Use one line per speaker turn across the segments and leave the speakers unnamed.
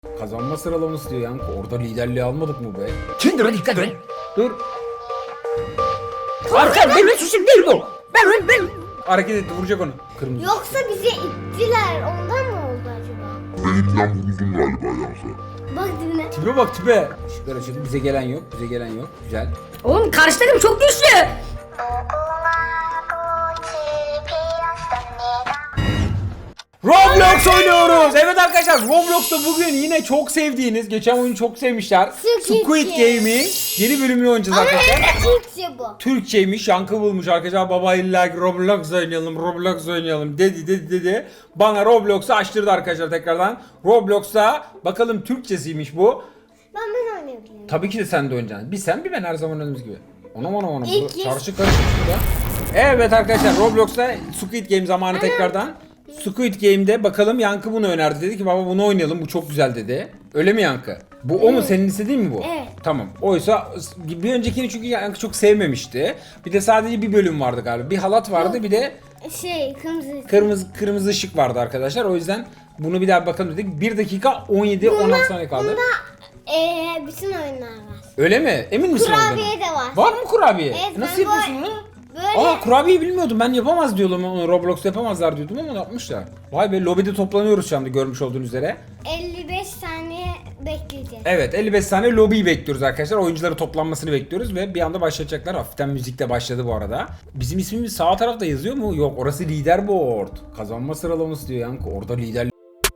Kazanma sıralaması diyor yani. Orada liderliği almadık mı be?
Kendine dikkat et.
Dur.
Arka benim suçum değil bu. Ben.
Hareket etti, vuracak onu. Kırmızı.
Yoksa bizi ittiler. Ondan mı oldu acaba?
Benimden vuruldun galiba Yansa.
Bak dibine.
Tipe bak tipe. Işıklar açıldı. Bize gelen yok. Bize gelen yok. Güzel.
Oğlum karşı takım çok güçlü.
Roblox oynuyoruz. Evet arkadaşlar, Roblox'ta bugün yine çok sevdiğiniz, geçen oyunu çok sevmişler,
Squid
Squid Game'in yeni bölümünü oynayacağız
Ama
arkadaşlar.
evet Türkçe bu.
Türkçeymiş, yankı bulmuş arkadaşlar. Baba illa ki Roblox oynayalım dedi. Bana Roblox'u açtırdı arkadaşlar tekrardan. Roblox'ta bakalım Türkçesiymiş bu.
Ben oynayabilirim.
Tabii ki de sen de oynayacaksın. Bir sen bir ben, her zaman oynadığımız gibi. Ona.
İlk
Çarşı karışık burada. Evet arkadaşlar, Roblox'ta Squid Game zamanı tekrardan. Squid Game'de bakalım, Yankı bunu önerdi. Dedi ki baba bunu oynayalım, bu çok güzel dedi. Öyle mi Yankı? Bu o mu, senin istediğin mi bu?
Evet.
Tamam. Oysa bir öncekini çünkü Yankı çok sevmemişti. Bir de sadece bir bölüm vardı galiba. Bir halat vardı, bir de kırmızı ışık vardı arkadaşlar. O yüzden bunu bir daha bakalım dedik. 1 dakika 16 saniye kaldı.
Bunda bütün oyunlar var.
Öyle mi? Emin misin?
Kurabiye
olduğuna?
de var.
Var mı kurabiye?
Evet,
Nasıl
ben
yapıyorsun onu?
Böyle
Aa, kurabiyeyi bilmiyordum. Ben yapamaz diyordum onu. Roblox'ta yapamazlar diyordum ama yapmışlar. Vay be, lobide toplanıyoruz şu anda görmüş olduğunuz üzere.
55 saniye bekleyeceğiz.
Evet, 55 saniye lobiyi bekliyoruz arkadaşlar. Oyuncuların toplanmasını bekliyoruz ve bir anda başlayacaklar. Hafiften müzik de başladı bu arada. Bizim ismimiz sağ tarafta yazıyor mu? Yok, orası leaderboard. Kazanma sıralaması diyor yankı. Orada lider.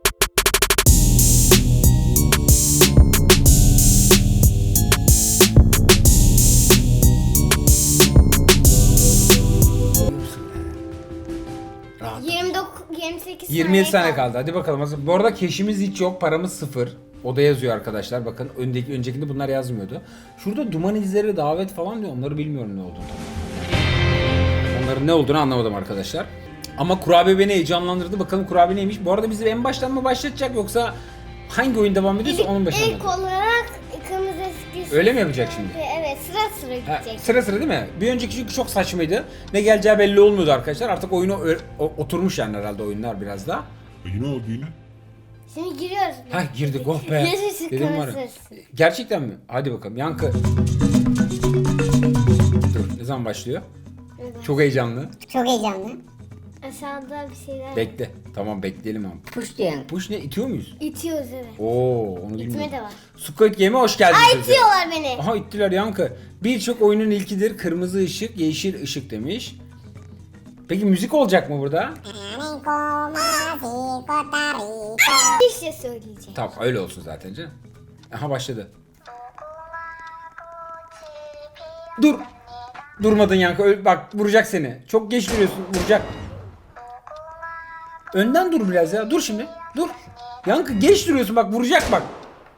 Rahat.
28
27 saniye kaldı. Hadi bakalım. Bu arada keşimiz hiç yok. Paramız 0. O da yazıyor arkadaşlar. Bakın öncekinde bunlar yazmıyordu. Şurada duman izleri, davet falan diyor. Onları bilmiyorum ne olduğunu. Onların ne olduğunu anlamadım arkadaşlar. Ama kurabiye beni heyecanlandırdı. Bakalım kurabiye neymiş. Bu arada bizi en baştan mı başlatacak, yoksa hangi oyun devam ediyorsa onun başına mı?
İlk olarak kırmızı eskisi.
Öyle mi yapacak şimdi?
Evet, sıra
Ha,
gidecek.
sıra değil mi? Bir önceki çünkü çok saçmaydı. Ne geleceği belli olmuyordu arkadaşlar. Artık oyunu oturmuş yani herhalde oyunlar biraz da.
Yine oldu yine.
Şimdi giriyoruz.
Ha, girdik, oh be.
Yaşasın
Dedim var ya.
kırmızı.
Gerçekten mi? Hadi bakalım Yankı. Dur, ne zaman başlıyor?
Evet.
Çok heyecanlı.
Çok heyecanlı.
Aşağıda bir şeyler
Bekle. Tamam, bekleyelim abi.
Push diyen.
Push ne? İtiyor muyuz?
itiyoruz, evet.
Oo, onu
İtme
bilmiyorum.
de var.
Squid Game'e hoş geldiniz.
Ay,
çocuklar.
itiyorlar beni.
Aha, ittiler Yankı. Birçok oyunun ilkidir. Kırmızı ışık, yeşil ışık demiş. Peki müzik olacak mı burada?
Bir şey söyleyeceğim.
Tamam, öyle olsun zaten canım. Aha, başladı. Dur. Durmadın Yankı. Bak, vuracak seni. Çok geç duruyorsun. Vuracak. Önden dur biraz ya. Dur şimdi. Dur. Yankı geç duruyorsun. Bak, vuracak bak.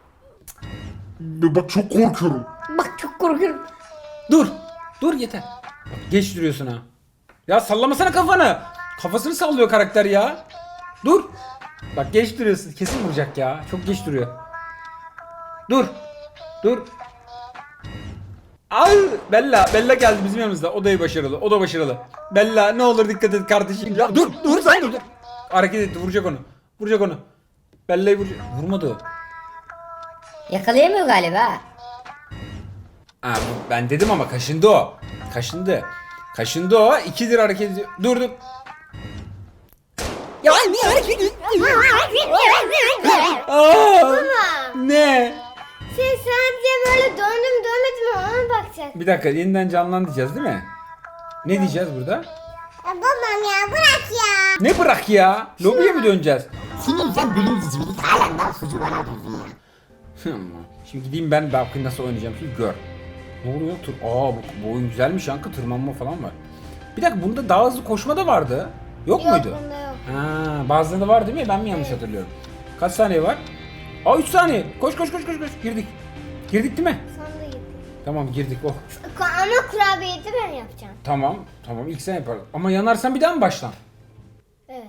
Bak çok korkuyorum.
Bak çok korkuyorum.
Dur. Dur yeter. Bak, geç duruyorsun ha. Ya sallamasana kafanı. Kafasını sallıyor karakter ya. Dur. Bak, geç duruyorsun. Kesin vuracak ya. Çok geç duruyor. Dur. Dur. Ay, Bella geldi bizim yanımızda. O da başarılı. O da başarılı. Bella, ne olur dikkat et kardeşim. Ya dur sen dur. Hareket etti, vuracak onu. Vuracak onu. Bella'yı vuracak. Vurmadı o.
Yakalayamıyor galiba.
Ha, ben dedim ama kaşındı o. Kaşındı o. 2'dir hareket ediyor. Dur.
Ya niye hareket
Aa, ne?
Sen sadece böyle dönmedim ona bakacak.
Bir dakika, yeniden canlandıracağız değil mi? Ne diyeceğiz burada?
Babam ya bırak ya.
Ne bırak ya? Lobiye mi döneceğiz?
Senin sen bilinçsiz bir halen daha sucu bana diyorsun ya.
Şimdi gideyim ben bakayım nasıl oynayacağım, şimdi gör. Ne oluyor? Bu oyun güzelmiş Yankı, tırmanma falan var. Bir dakika, bunda daha hızlı koşma da vardı. Yok muydu?
Bunda yok.
Ha, bazılarında var değil mi? Ben mi yanlış hatırlıyorum? Kaç saniye var? Aa, 3 saniye. Koş. Girdik. Girdik değil mi?
Sonunda gitti.
Tamam, girdik. Oh.
Ama kurabiyeyi de ben yapacağım.
Tamam. İlk sen yaparız. Ama yanarsan bir daha mı baştan?
Evet.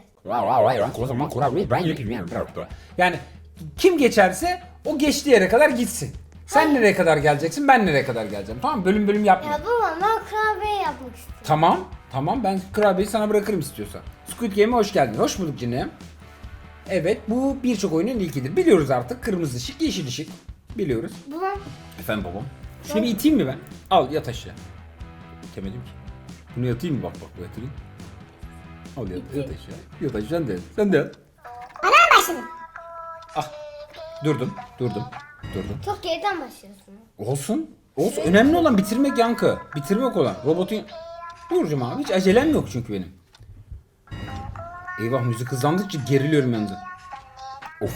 Yani kim geçerse o geçtiği yere kadar gitsin. Sen nereye kadar geleceksin, ben nereye kadar geleceğim. Tamam, bölüm yapma.
Ya baba, ben kurabiye yapmak istiyorum.
Tamam, ben kurabiyeyi sana bırakırım istiyorsan. Squid Game'e hoş geldin. Hoş bulduk canım. Evet, bu birçok oyunun ilkidir. Biliyoruz artık. Kırmızı ışık, yeşil ışık. Biliyoruz.
Babam.
Efendim babam. Şunu bir iteyim mi ben? Al yat aşağı. İtemedim ki. Bunu yatayım mı? Bak bu yatayım. Al yat aşağı. Yat aşağı sen de yat. Sen de yat.
Ana başladım.
Ah. Durdum.
Çok geriden başlıyorsun.
Olsun. Olsun. Önemli olan bitirmek Yankı. Bitirmek olan. Robotun... Burcum abi. Hiç acelem yok çünkü benim. Eyvah müzik hızlandıkça geriliyorum yalnız. Of.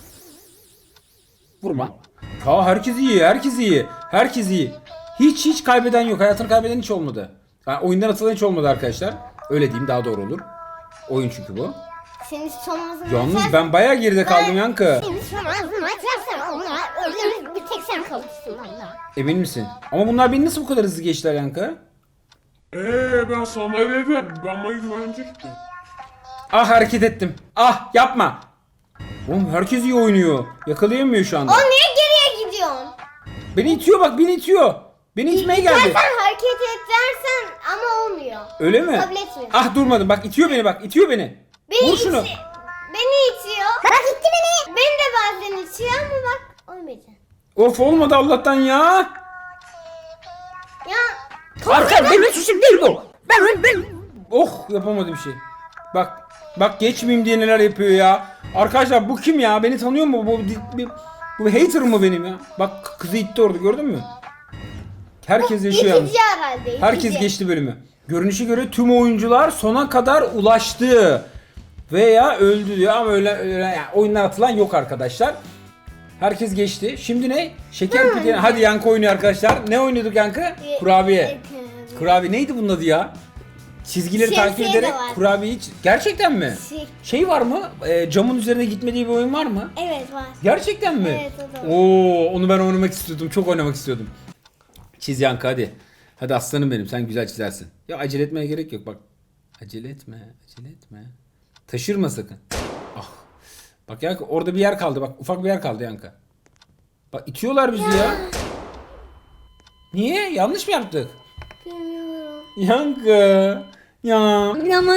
Vurma. Aa herkes iyi. Herkes iyi. Hiç kaybeden yok. Hayatını kaybeden hiç olmadı. Yani oyundan atılan hiç olmadı arkadaşlar. Öyle diyeyim daha doğru olur. Oyun çünkü bu.
Senin son ağzını
Yalnız ben bayağı geride kaldım Yankı.
Senin son ağzını açarsan onlar ölür, bir tek sen kalırsın onlar.
Emin misin? Ama bunlar beni nasıl bu kadar hızlı geçtiler Yankı?
Ben sana dedim. Bana güvenecektin.
Ah hareket ettim. Ah yapma. Oğlum herkes iyi oynuyor. Yakalayamıyor şu anda.
O niye geriye gidiyorsun?
Beni itiyor bak beni itiyor. Beni itmeye geldi.
Sen hareket et dersen ama olmuyor.
Öyle mi?
Kabul etmiyorum.
Ah durmadım bak itiyor beni bak itiyor beni.
Beni
Vur şunu.
Beni itiyor. Bak itti beni. Beni de bazen itiyor ama bak olmayacak.
Of olmadı Allah'tan ya.
Ya
Arka benim suçum değil bu. Ben. Oh yapamadı bir şey. Bak geçmeyeyim diye neler yapıyor ya. Arkadaşlar bu kim ya? Beni tanıyor mu? Bu bir hater mı benim ya? Bak kızı itti orada gördün mü? Herkes yaşıyor yalnız.
itici herhalde. itici.
Herkes geçti bölümü. Görünüşe göre tüm oyuncular sona kadar ulaştı. Veya öldü diyor ama öyle yani oyundan atılan yok arkadaşlar. Herkes geçti. Şimdi ne? Şeker pide. Hadi Yankı oynuyor arkadaşlar. Ne oynuyorduk Yankı? Kurabiye. Kurabiye neydi bunun adı ya? Çizgileri takip
Şemsiye de
ederek
var.
kurabiye hiç... Gerçekten mi? Şey var mı? Camın üzerine gitmediği bir oyun var mı?
Evet var.
Gerçekten mi?
Evet, o da var.
Oo, onu ben oynamak istiyordum. Çok oynamak istiyordum. Çiz Yankı hadi. Hadi aslanım benim. Sen güzel çizersin. Ya acele etmeye gerek yok bak. Acele etme. Taşırma sakın. Ah. Bak Yankı orada bir yer kaldı. Bak ufak bir yer kaldı Yankı. Bak itiyorlar bizi ya. Niye? Yanlış mı yaptık?
Bilmiyorum.
Yankı. Ya.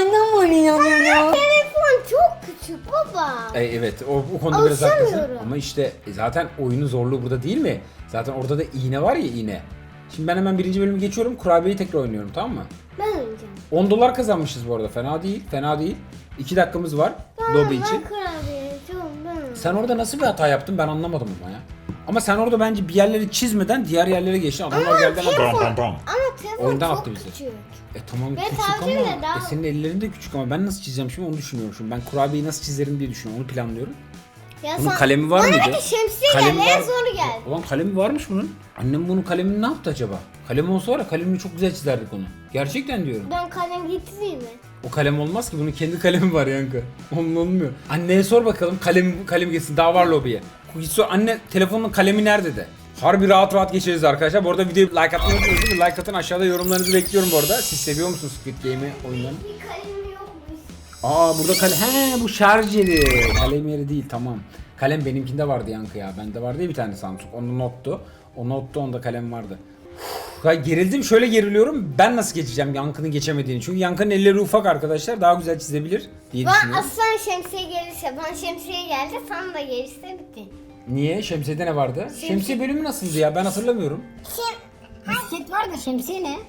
Telefon çok küçük baba.
Evet o konuda biraz haklısın.
Alışamıyorum.
Ama işte zaten oyunun zorluğu burada değil mi? Zaten orada da iğne var ya iğne. Şimdi ben hemen birinci bölümü geçiyorum. Kurabiyeyi tekrar oynuyorum tamam mı?
Ben oynayacağım.
10 dolar kazanmışız bu arada. Fena değil. 2 dakikamız var lobi için.
Ben kurabiye çok ben.
Sen orada nasıl bir hata yaptın ben anlamadım ama ya. Ama sen orada bence bir yerleri çizmeden diğer yerlere geçtin. Adamlar geldi ama...
Ama telefon
Oyundan
çok
attı bizi.
küçük.
Tamam
Ve
küçük
tabletle
ama
daha-
senin ellerin de küçük ama ben nasıl çizeceğim şimdi onu düşünüyorum şimdi. Ben kurabiyeyi nasıl çizerim diye düşünüyorum. Onu planlıyorum.
Ya
Bunun kalemi var mıydı?
Bana bir de şemsiye
Kalemi
geldi en
var-
zoru geldi.
Ulan kalemi varmış bunun. Annem bunun kalemini ne yaptı acaba? Kalem olsa var ya kalemini çok güzel çizerdik onu. Gerçekten diyorum.
Ben kalem getireyim mi?
O kalem olmaz ki bunun kendi kalemi var Yankı. Onun olmuyor. Anneye sor bakalım kalem geçsin daha var lobiye. Git sor anne telefonun kalemi nerede de. Harbi rahat geçeriz arkadaşlar. Bu arada videoyu like atmayı unutmayın değil mi? Like atın aşağıda yorumlarınızı bekliyorum bu arada. Siz seviyor musunuz Squid Game'i oyunlarını?
Bir kalemim yokmuş.
Burada kalem. Bu şarj yeri. Kalem yeri değil tamam. Kalem benimkinde vardı Yankı ya. Bende vardı ya bir tane Samsung. Onun nottu. O nottu onda kalem vardı. Ya gerildim şöyle geriliyorum. Ben nasıl geçeceğim Yankı'nın geçemediğini. Çünkü Yankı'nın elleri ufak arkadaşlar. Daha güzel çizebilir diye
Bana
düşünüyorum.
aslan şemsiye gelirse, bana şemsiye geldi, sana da gelirse bitti.
Niye? Şemsiye'de ne vardı? Şemsiye bölümü nasıldı ya? Ben hatırlamıyorum.
Bisiklet var da şemsiye ne?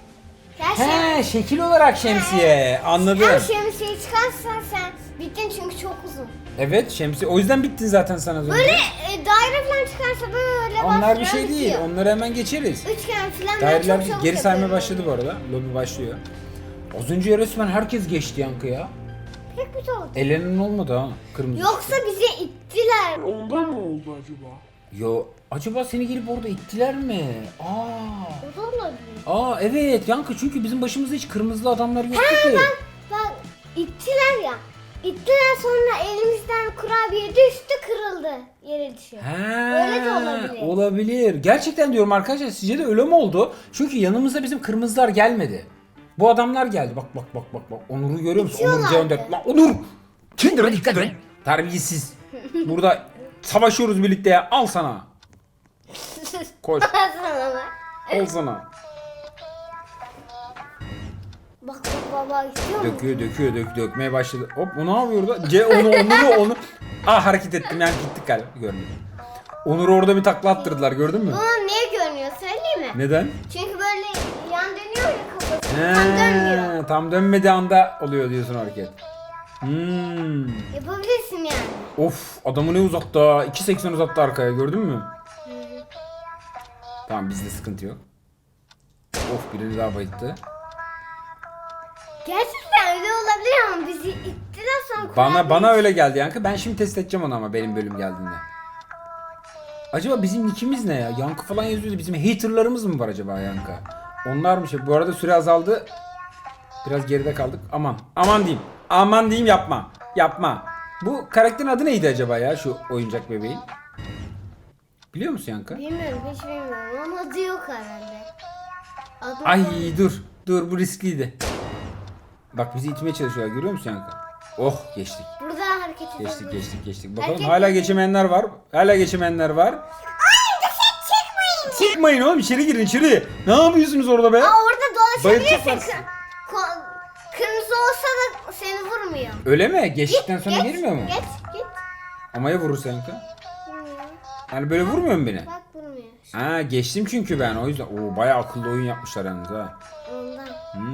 Ya
Şekil olarak şemsiye. Anladım.
Sen şemsiye çıkarsan sen bittin çünkü çok uzun.
Evet şemsiye. O yüzden bittin zaten sen az önce.
Böyle daire falan çıkarsa böyle
Onlar bir
bastıran
şey değil.
bitiyor.
Onları hemen geçeriz.
Üçgen falan ben
Daireler
çok çabuk
geri saymaya
yapıyorum.
başladı bu arada. Lobi başlıyor. Az önce resmen herkes geçti Yankı ya.
Pek kötü oldu.
Ellerinin olmadı ha. Kırmızı.
Yoksa bize ittiler.
Ondan mı oldu acaba?
Yo. Acaba seni gelip orada ittiler mi?
O da olabilir.
Evet Yankı çünkü bizim başımızda hiç kırmızı adamlar yoktu ki.
Bak ittiler ya. İttiler sonra elimizden kurabiye düştü kırıldı. Yere düşüyor. Öyle de olabilir.
Olabilir. Gerçekten diyorum arkadaşlar sizce de öyle mi oldu? Çünkü yanımızda bizim kırmızılar gelmedi. Bu adamlar geldi. Bak. Onur'u görüyor musun? Onur
İtiyorlardı.
Cevdet. Lan Onur! Kendine dikkat et. Terbiyesiz. Burada savaşıyoruz birlikte ya. Al sana. Koş.
Sana bak.
Al sana.
Bak baba istiyor mu?
Dökmeye başladı. Hop o ne yapıyor orada? Onu. Ah hareket ettim yani gittik galiba. Görmedim. Onur'u orada bir takla attırdılar gördün mü?
Bunu niye görmüyor söyleyeyim mi?
Neden?
Çünkü böyle yan dönüyor ya kafası. Tam dönmüyor.
Tam dönmediği anda oluyor diyorsun hareket.
Yapabilirsin yani.
Of adamı ne uzattı ha. 2.80 uzattı arkaya gördün mü? Tamam bizde sıkıntı yok. Of birini daha bayılttı.
Gerçekten öyle olabilir ama bizi ittiler sonra
Bana öyle geldi Yankı. Ben şimdi test edeceğim onu ama benim bölüm geldiğinde. Acaba bizim nickimiz ne ya? Yankı falan yazıyordu. Bizim haterlarımız mı var acaba Yankı? Onlarmış ya. Bu arada süre azaldı. Biraz geride kaldık. Aman diyeyim. Aman diyeyim yapma. Bu karakterin adı neydi acaba ya şu oyuncak bebeğin? Biliyor musun Yankı?
Bilmiyorum hiç bilmiyorum ama adı yok herhalde. Adı
Ay
var.
dur bu riskliydi. Bak bizi itmeye çalışıyorlar görüyor musun Yankı? Oh geçtik.
Burada hareket edebiliriz.
Geçtik. Bakalım
Hareket
hala
edin.
geçemeyenler var. Çıkmayın oğlum içeri girin içeri. Ne yapıyorsunuz orada be?
Aa orada dolaşabilirsin.
Bayılacaklar.
Kırmızı olsa da seni vurmuyor.
Öyle mi? Geçtikten sonra
Geç,
girmiyor mu?
Git.
Ama ya vurursa Yankı?
Vurmuyor.
Yani böyle vurmuyor mu beni?
Bak vurmuyor.
Ha geçtim çünkü ben o yüzden. Oo bayağı akıllı oyun yapmışlar yalnız ha.
Ondan.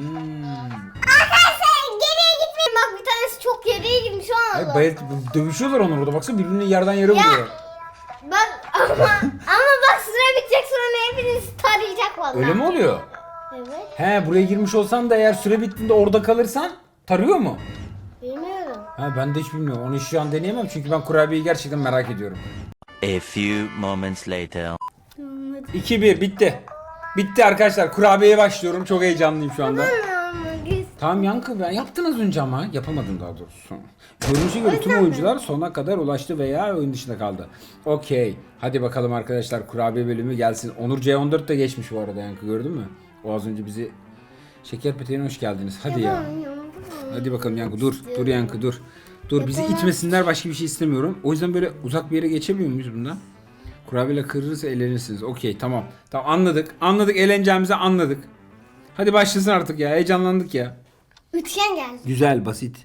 Hmm.
Geriye gitmeyin bak bir tanesi çok geriye gitmiş o
Ay,
anda.
dövüşüyorlar onlar orada baksana birbirini yerden yere vuruyor.
Bak ama bak süre bitecek sonra hepiniz tarayacak vallahi.
Öyle mi oluyor?
Evet.
He buraya girmiş olsan da eğer süre bittiğinde orada kalırsan tarıyor mu?
Bilmiyorum.
Ha ben de hiç bilmiyorum. Onu şu an deneyemem çünkü ben kurabiyeyi gerçekten merak ediyorum.
A few moments later.
2-1 bitti. Bitti arkadaşlar. Kurabiyeye başlıyorum. Çok heyecanlıyım şu anda. Tamam Yankı ben yaptın az önce ama yapamadın daha doğrusu. Görünüşe göre tüm oyuncular sona kadar ulaştı veya oyun dışında kaldı. Okey. Hadi bakalım arkadaşlar kurabiye bölümü gelsin. Onur C14 de geçmiş bu arada Yankı gördün mü? O az önce bizi Şeker Peteğine hoş geldiniz. Hadi ya. Hadi bakalım Yankı dur. Dur Yankı dur. Dur bizi itmesinler başka bir şey istemiyorum. O yüzden böyle uzak bir yere geçemiyor muyuz bundan? Kurabiyeyle kırılırsa eğlenirsiniz. Okey tamam. Tamam anladık. Anladık eğleneceğimizi anladık. Hadi başlasın artık ya. Heyecanlandık ya.
Üçgen geldi.
Güzel basit.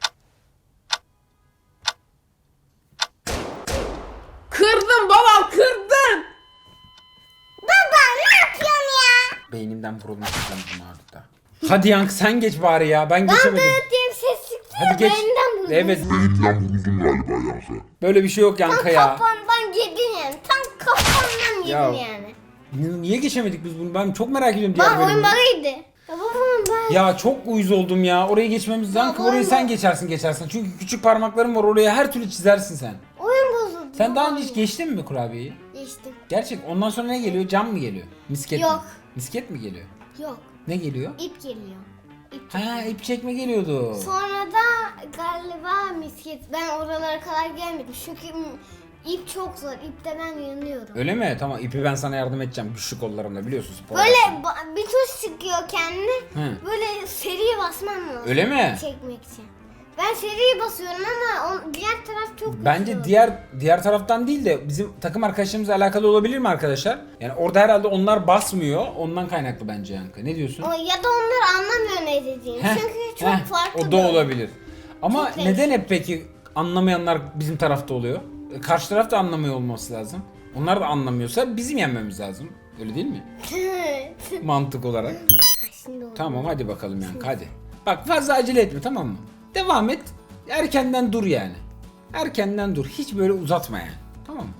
Kırdın babam kırdın.
Baba ne yapıyorsun ya?
Beynimden vurulmak istedim artık. Hadi Yankı sen geç bari ya. Ben geçemedim.
Dıt diye bir ses çıktı ya
Hadi geç.
benden buldum.
Evet.
Elimden vuruldum galiba Yankı.
Böyle bir şey yok
Tam
Yankı ya.
kafandan yedin yani. Tam kafandan yedin
Ya.
yani.
Niye geçemedik biz bunu? Ben çok merak ediyorum diğer
Bak oyun
bölümü.
bug'ıydı. Ya babam ben.
Ya çok uyuz oldum ya. Orayı geçmemiz Yankı orayı sen geçersin. Çünkü küçük parmakların var. Oraya her türlü çizersin sen.
Oyun bozuldu.
Sen daha önce hiç geçtin mi kurabiyeyi?
Geçtim.
Gerçek. Ondan sonra ne geliyor? Cam mı geliyor? Misket mi?
Yok.
Misket mi geliyor?
Yok.
Ne geliyor?
İp geliyor. İp.
Ha ip çekme geliyordu.
Sonra da galiba misket. Ben oralara kadar gelmedim. Çünkü ip çok zor. İpte ben yanıyorum.
Öyle mi? Tamam ipi ben sana yardım edeceğim güçlü kollarımla biliyorsun spor.
Böyle
dersin.
bir tuş çıkıyor kendine.
Hı.
Böyle seriye basman lazım.
Öyle mi?
Çekmek için. Ben seriye basıyorum ama diğer taraf çok
Bence
güçlü.
diğer taraftan değil de bizim takım arkadaşlarımızla alakalı olabilir mi arkadaşlar? Yani orada herhalde onlar basmıyor. Ondan kaynaklı bence Yankı. Ne diyorsun?
Ya da onlar anlamıyor ne dediğini.
Heh,
Çünkü çok
heh,
farklı.
o da olabilir. Ama
Çok
neden hep peki anlamayanlar bizim tarafta oluyor? Karşı taraf da anlamıyor olması lazım. Onlar da anlamıyorsa bizim yenmemiz lazım. Öyle değil mi? Mantık olarak.
Şimdi oldu.
Tamam hadi bakalım Yankı hadi. Bak fazla acele etme tamam mı? Devam et. Erkenden dur yani. Erkenden dur. Hiç böyle uzatma yani. Tamam mı?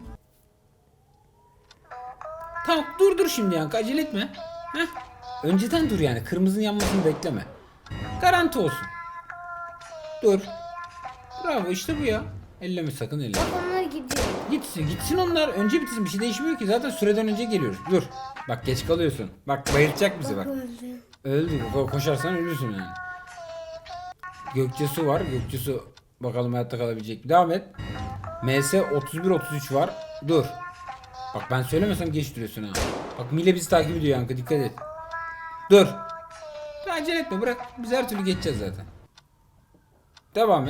Tamam dur şimdi Yankı acele etme. Heh. Önceden dur yani. Kırmızının yanmasını bekleme. Garanti olsun. Dur. Bravo işte bu ya. Elleme sakın elleme.
Bak onlar gidiyor.
Gitsin onlar. Önce bitirsin. Bir şey değişmiyor ki. Zaten süreden önce geliyoruz. Dur. Bak geç kalıyorsun. Bak bayılacak bizi bak.
Öldü.
Öldü. Koşarsan ölürsün yani. Gökçesu var. Gökçesu bakalım hayatta kalabilecek mi? Devam et. MS 31-33 var. Dur. Bak ben söylemesem geç duruyorsun ha. Bak Mile bizi takip ediyor Yankı. Dikkat et. Dur. Acele etme bırak. Biz her türlü geçeceğiz zaten. Devam et.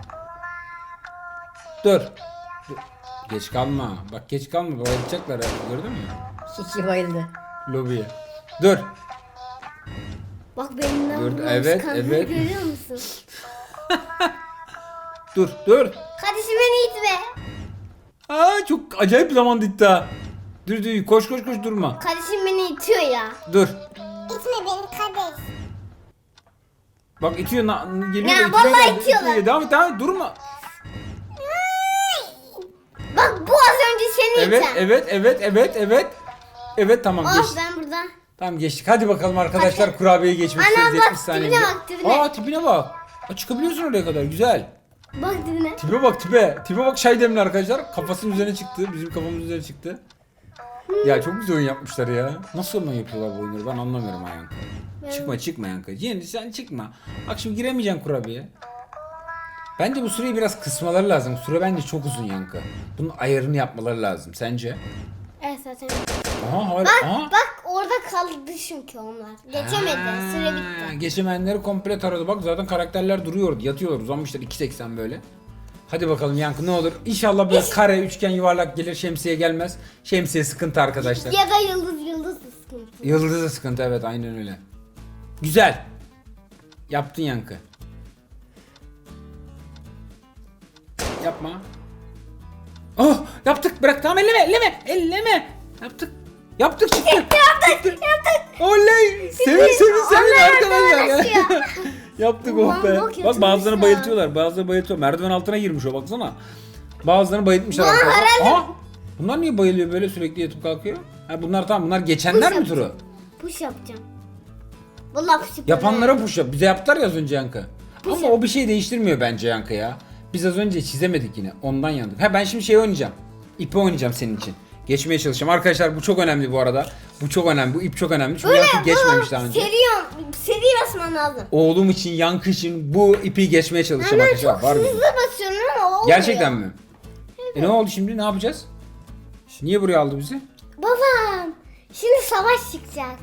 Dur. Dur. Geç kalma. Bak geç kalma. Bayılacaklar ha. Gördün mü?
Kiki bayıldı.
Lobiye. Dur.
Bak benim ne
Gördüm,
yapmamız
evet,
kanka,
evet.
görüyor musun?
Dur.
Kardeşim beni itme.
Aa çok acayip zaman gitti ha. Dur koş durma.
Kardeşim beni itiyor ya.
Dur.
İtme beni kardeş.
Bak itiyor geliyor.
Ya,
itiyor,
vallahi
geldi,
itiyorlar.
itiyor. Devam et durma.
Bak bu az önce seni iten.
Evet tamam
Oh
geçtik.
ben burada.
Tamam geçtik. Hadi bakalım arkadaşlar kurabiyeye geçmek
Ana,
istiyoruz
bak,
70 saniyede.
tipine bak, tipine.
Aa tipine bak. Aa, çıkabiliyorsun oraya kadar güzel.
Bak dibine.
Tipe bak tipe. Tipe bak şay demli arkadaşlar. Kafasının üzerine çıktı. Bizim kafamızın üzerine çıktı. Ya çok güzel oyun yapmışlar ya. Nasıl oyun yapıyorlar bu oyunları ben anlamıyorum ha Yankı. Çıkma Yankı. Yeni sen çıkma. Bak şimdi giremeyeceksin kurabiye. Bence bu süreyi biraz kısmaları lazım. Süre bence çok uzun Yankı. Bunun ayarını yapmaları lazım. Sence?
Evet zaten.
Aha hala.
Bak
Aha.
bak orada kaldı çünkü onlar. Geçemedi. Süre bitti.
Geçemeyenleri komple taradı. Bak zaten karakterler duruyordu. Yatıyorlar uzanmışlar 2.80 böyle. Hadi bakalım Yankı ne olur. İnşallah böyle kare, üçgen, yuvarlak gelir. Şemsiye gelmez. Şemsiye sıkıntı arkadaşlar.
Ya da yıldız sıkıntı.
Yıldız da sıkıntı evet aynen öyle. Güzel. Yaptın Yankı. Yapma. Oh yaptık bırak tamam elleme. Yaptık çıktı. Yaptık. Oley. Sevin arkadaşlar ya. Yaptık oh be.
Ulan,
Bak bazılarını
ya.
bayıltıyorlar. Merdiven altına girmiş o baksana. Bazılarını bayıltmışlar
Ulan,
arkadaşlar.
herhalde-
Aha. Bunlar niye bayılıyor böyle sürekli yatıp kalkıyor? Ha bunlar tamam bunlar geçenler mi turu?
Push yapacağım. Vallahi push yapacağım.
Yapanlara push yap. Bize yaptılar ya az önce Yankı. Ama o bir şey değiştirmiyor bence Yankı ya. Biz az önce çizemedik yine. Ondan yandık. Ha ben şimdi şey oynayacağım. İpi oynayacağım senin için. Geçmeye çalışacağım. Arkadaşlar bu çok önemli bu arada. Bu çok önemli. Bu ip çok önemli. Çünkü Yankı geçmemiş daha önce.
Seri basman lazım.
Oğlum için, Yankı için bu ipi geçmeye çalışacağım
Ben
arkadaşlar.
çok
Var mı?
hızlı basıyorum ama olmuyor.
Gerçekten mi? Ne oldu şimdi? Ne yapacağız? Niye buraya aldı bizi?
Babam. Şimdi savaş çıkacak.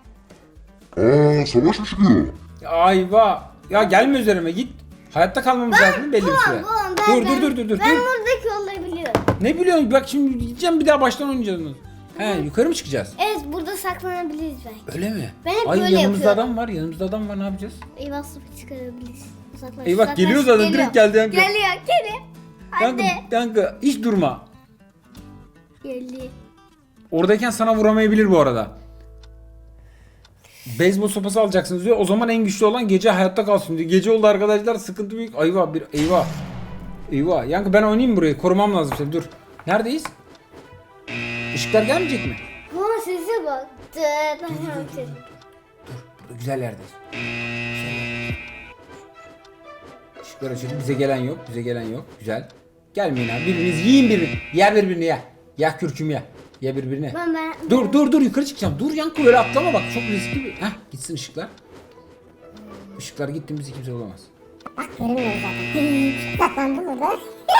Savaş mı çıkıyor?
Ayva. Ya gelme üzerime git. Hayatta kalmamız lazım belli bir süre. Dur.
Ben buradaki yolları biliyorum.
Ne biliyorsun? Bak şimdi gideceğim bir daha baştan oynayacağız. He yukarı mı çıkacağız?
Evet burada saklanabiliriz belki.
Öyle mi?
Ben hep
Ay
böyle
yanımızda
yapıyorum.
adam var. Ne yapacağız?
Eyvah sıfır çıkarabiliriz. Uzaklaş,
Eyvah,
uzaklaş.
geliyor zaten, direkt geldi Yankı.
Geliyor. Hadi.
Yankı hiç durma.
Geldi.
Oradayken sana vuramayabilir bu arada. Beyzbol sopası alacaksınız diyor. O zaman en güçlü olan gece hayatta kalsın diyor. Gece oldu arkadaşlar sıkıntı büyük. Eyvah. Yankı ben oynayayım burayı. Korumam lazım seni. Dur. Neredeyiz? Işıklar gelmeyecek mi?
Bana sese bak.
Burada güzel yerdeyiz. Işıklar açıldı. Bize gelen yok. Güzel. Gelmeyin abi. Birbiriniz yiyin birbirini. Ye birbirini ye. Ya kürküm ye. Ye birbirini. Dur yukarı çıkacağım. Dur Yankı öyle atlama bak. Çok riskli bir. Heh gitsin ışıklar. Işıklar gitti bizi kimse bulamaz.
Bak görünmüyor zaten. Saklandım burada.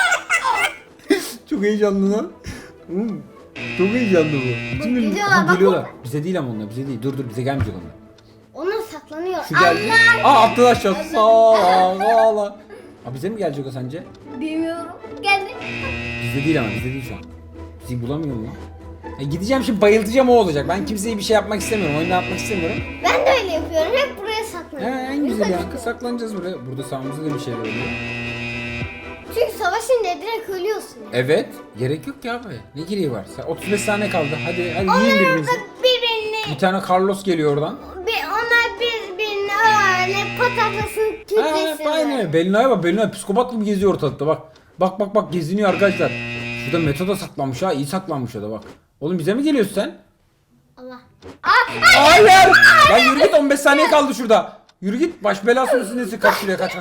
Çok heyecanlı lan. Çok heyecanlı bu. Bütün gün
geliyorlar,
Aha,
bak.
geliyorlar. Bize değil ama onlar bize değil. Dur bize gelmeyecek onlar.
Onlar saklanıyor.
Şu geldi. Aa atladı aşağı. Sağ. Aa bize mi gelecek o sence?
Bilmiyorum. Geldi.
Bizde değil şu an. Bizi bulamıyor mu? Gideceğim şimdi bayıltacağım o olacak. Ben kimseye bir şey yapmak istemiyorum. Oyunu yapmak istemiyorum.
Ben de öyle yapıyorum. Hep buraya saklanıyorum.
En güzel Yankı saklanacağız buraya. Burada sağımızda da bir şeyler oluyor.
Çünkü savaşınca direkt ölüyorsun.
Evet. Gerek yok ki abi. Ne gereği var? 35 saniye kaldı. Hadi yiyin birbirinizi.
Birbirini,
Bir tane Carlos geliyor oradan.
onlar birbirini öyle patatlasın kütlesin.
Aynen. Belina'ya bak. Belina psikopat gibi geziyor ortalıkta bak. Bak geziniyor arkadaşlar. Şurada Metoda saklanmış ha. İyi saklanmış o da bak. Oğlum bize mi geliyorsun sen?
Allah.
Hayır. Lan yürü git 15 saniye kaldı şurada. Yürü git baş belası mısın nesin? Kaç şuraya kaç.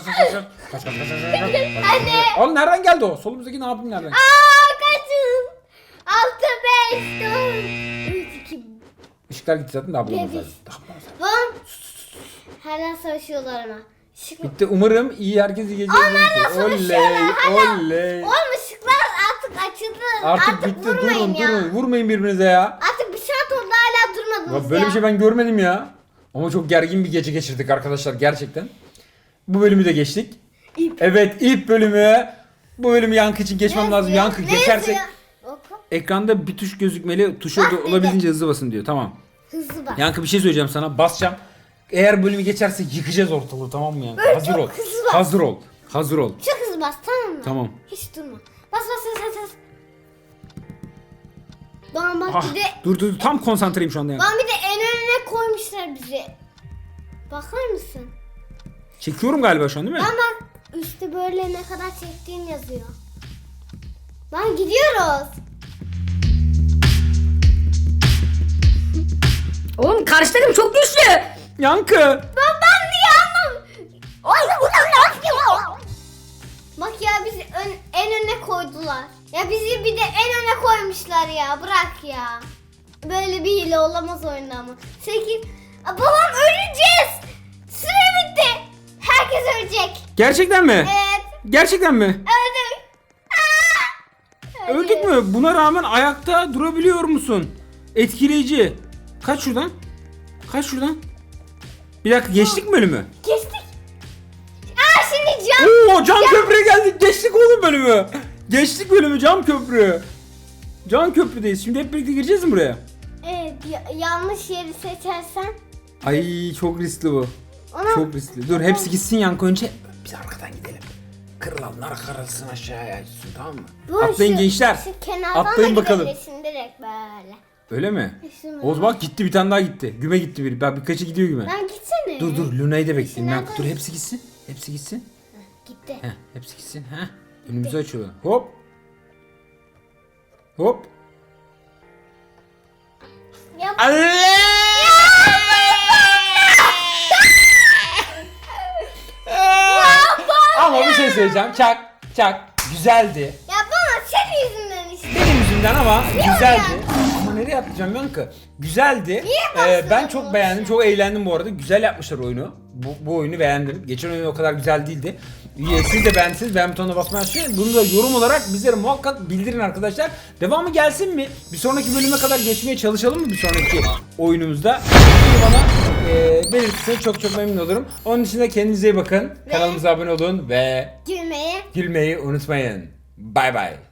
Hadi.
Oğlum nereden geldi o? Solumuzdaki ne yapayım nereden?
Kaçın. 6, 5, 4, 3, 2,
Işıklar gitti zaten daha bulamaz
Ne
lazım.
Bom. Hala savaşıyorlar ama. Işık mı?
Bitti umarım iyi herkes iyi geceler. Oley.
Oğlum ışıklar artık açıldı.
Artık bitti durun. Vurmayın birbirinize ya.
Artık bir saat oldu hala durmadınız
Ya böyle bir şey ben görmedim ya. Ama çok gergin bir gece geçirdik arkadaşlar gerçekten. Bu bölümü de geçtik. Evet ilk bölümü. Bu bölümü Yankı için geçmem lazım. Yankı geçersek ekranda bir tuş gözükmeli. Tuşa da olabildiğince hızlı basın diyor. Tamam.
Hızlı bak.
Yankı bir şey söyleyeceğim sana. Basacağım. eğer bölümü geçerse yıkacağız ortalığı, tamam mı yani?
Böyle
Hazır
çok
ol.
hızlı bas.
Hazır ol. Hazır ol.
Çok hızlı bas, tamam mı?
Tamam.
Hiç durma. Bas bas bas bas. Doğan bak
Ah,
bir de
dur tam konsantreyim şu anda ya.
Doğan bir de en önüne koymuşlar bizi. Bakar mısın?
Çekiyorum galiba şu an değil mi?
Lan bak üstte böyle ne kadar çektiğin yazıyor. Lan gidiyoruz.
Oğlum karşı takım çok güçlü.
Yankı.
Ben diye anlam. Ay bu ne yapıyor? Bak ya bizi en öne koydular. Ya bizi bir de en öne koymuşlar ya. Bırak ya. Böyle bir hile olamaz oyunda ama. 8. Babam öleceğiz. Süre bitti. Herkes ölecek.
Gerçekten mi?
Evet.
Gerçekten mi?
Öldük. Aa!
Öldük mü? Buna rağmen ayakta durabiliyor musun? Etkileyici. Kaç şuradan? Kaç şuradan? Bir dakika, geçtik mi bölümü?
Geçtik. Aa şimdi can.
Oo, cam köprüye geldik. Geçtik oğlum bölümü. Geçtik bölümü, cam köprü. Cam köprüdeyiz. Şimdi hep birlikte gireceğiz mi buraya?
Evet yanlış yeri seçersen.
Ay çok riskli bu.
Ona
Çok riskli. Dur hepsi gitsin Yankı önce. Biz arkadan gidelim. Kırılanlar karılsın aşağıya gitsin, tamam mı?
Bu
Atlayın gençler.
Şu kenardan
Atlayın
da
bakalım.
gidebilirsin direkt böyle.
Öyle mi?
Şunu-
Oğuz bak gitti, bir tane daha gitti. Güme gitti biri. Ben birkaçı gidiyor güme.
Lan gitsene.
Dur Luna'yı da bekleyeyim.
Nereden?
Dur hepsi gitsin. Hepsi gitsin.
Gitti.
Heh, hepsi gitsin. Heh. Önümüzü açıyorlar. Hop. Hop.
Ya
Ama bir şey söyleyeceğim. Çak çak. Güzeldi.
Ya bana senin yüzünden işte.
Benim yüzümden ama güzeldi.
yani?
Ama nereye atlayacağım Yankı? Güzeldi.
bastın
Ben çok
bunu?
beğendim. Çok eğlendim bu arada. Güzel yapmışlar oyunu. Bu oyunu beğendim. Geçen oyun o kadar güzel değildi. Siz de beğendiyseniz beğen butonuna basmayı unutmayın. Bunu da yorum olarak bizlere muhakkak bildirin arkadaşlar. Devamı gelsin mi? Bir sonraki bölüme kadar geçmeye çalışalım mı bir sonraki oyunumuzda? Bunu bana belirtirseniz çok memnun olurum. Onun için de kendinize iyi bakın. Kanalımıza abone olun ve
Gülmeye.
gülmeyi unutmayın. Bay bay.